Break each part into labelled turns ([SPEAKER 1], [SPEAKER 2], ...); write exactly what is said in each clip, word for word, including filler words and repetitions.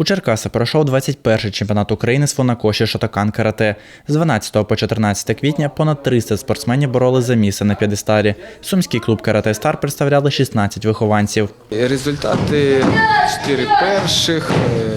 [SPEAKER 1] У Черкасах пройшов двадцять перший чемпіонат України з фунакоші Шотокан карате. З дванадцятого по чотирнадцяте квітня понад триста спортсменів боролись за місце на п'єдесталі. Сумський клуб «Карате Стар» представляли шістнадцять вихованців.
[SPEAKER 2] Результати чотири перших,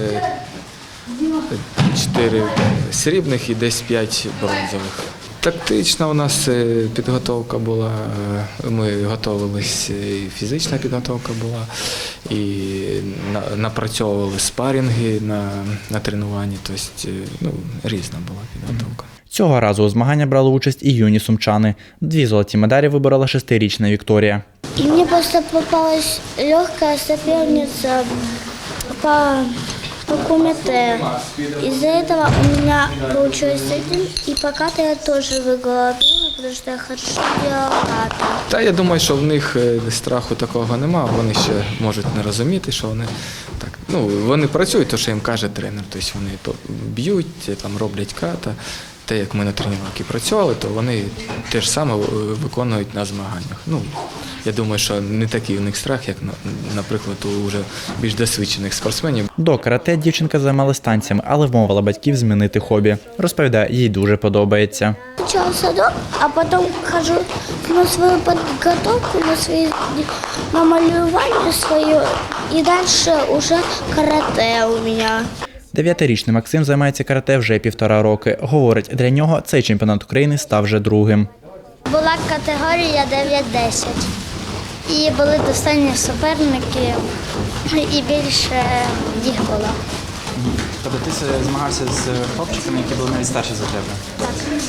[SPEAKER 2] чотири срібних і десь п'ять бронзових. Тактична у нас підготовка була, ми готувалися, і фізична підготовка була, і напрацьовували спарринги на, на тренуванні, тобто ну, різна була підготовка.
[SPEAKER 1] Цього разу у змагання брали участь і юні сумчани. Дві золоті медалі виборола шестирічна Вікторія.
[SPEAKER 3] І мені просто попалась легка суперниця по... по кумите. Из-за этого у меня получилось один, и по ката я тоже выиграла первую, потому что я хорошо делала ката.
[SPEAKER 2] Та я думаю, що в них страху такого нема, вони ще можуть не розуміти, що вони так, ну, вони працюють, то що їм каже тренер, тобто вони б'ють, там роблять ката. Те, як ми на тренуванні працювали, то вони те ж саме виконують на змаганнях. Ну, я думаю, що не такий у них страх, як, наприклад, у вже більш досвідчених спортсменів.
[SPEAKER 1] До карате дівчинка займалась танцями, але вмовила батьків змінити хобі. Розповідає, їй дуже подобається.
[SPEAKER 3] Почала садок, а потім хожу на свою підготовку, на свої на малювання своє, і далі вже карате у мене.
[SPEAKER 1] Дев'ятирічний Максим займається карате вже півтора роки. Говорить, для нього цей чемпіонат України став вже другим.
[SPEAKER 3] Була категорія дев'ять-десять. І були достойні суперники, і більше їх було.
[SPEAKER 4] Тобто ти змагався з хлопчиками, які були навіть старші за тебе?
[SPEAKER 3] Так.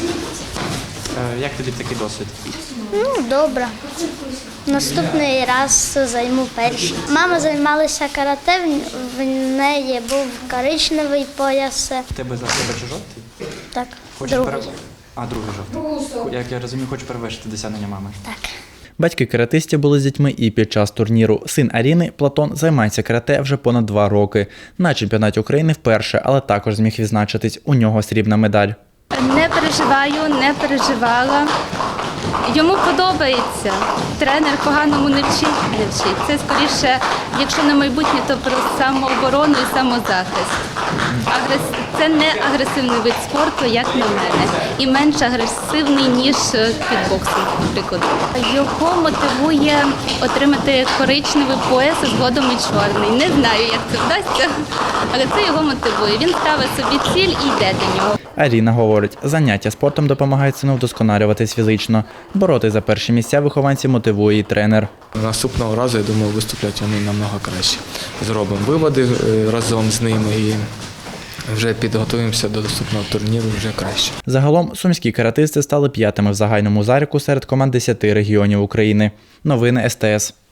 [SPEAKER 4] Як тобі такий досвід?
[SPEAKER 3] Ну, добре. Наступний раз займу перший. Мама займалася карате, в неї був коричневий пояс.
[SPEAKER 4] В тебе за себе чи жовтий?
[SPEAKER 3] Так,
[SPEAKER 4] Хочеш
[SPEAKER 3] другий.
[SPEAKER 4] пере... А, другий жовтий. Як я розумію, хочеш перевершити досягнення мами?
[SPEAKER 3] Так.
[SPEAKER 1] Батьки каратистів були з дітьми і під час турніру. Син Аріни, Платон, займається карате вже понад два роки. На чемпіонаті України вперше, але також зміг відзначитись. У нього срібна медаль.
[SPEAKER 5] Не переживаю, не переживала. Йому подобається. Тренер поганому не вчить, не вчить. Це скоріше, якщо на майбутнє, то про самооборону і самозахист. Агрес... Це не агресивний вид спорту, як на мене, і менш агресивний, ніж кікбоксинг, наприклад. Його мотивує отримати коричневий пояс, а згодом і чорний. Не знаю, як це вдасться, але це його мотивує. Він ставить собі ціль і йде до нього.
[SPEAKER 1] Аріна говорить, заняття спортом допомагають сину вдосконалюватись фізично. Боротись за перші місця вихованців мотивує і тренер.
[SPEAKER 2] Наступного разу, я думаю, виступлять вони намного краще. Зробимо виводи разом з ними і вже підготуємося до наступного турніру вже краще.
[SPEAKER 1] Загалом сумські каратисти стали п'ятими в загальному заліку серед команд десяти регіонів України. Новини ес те ес.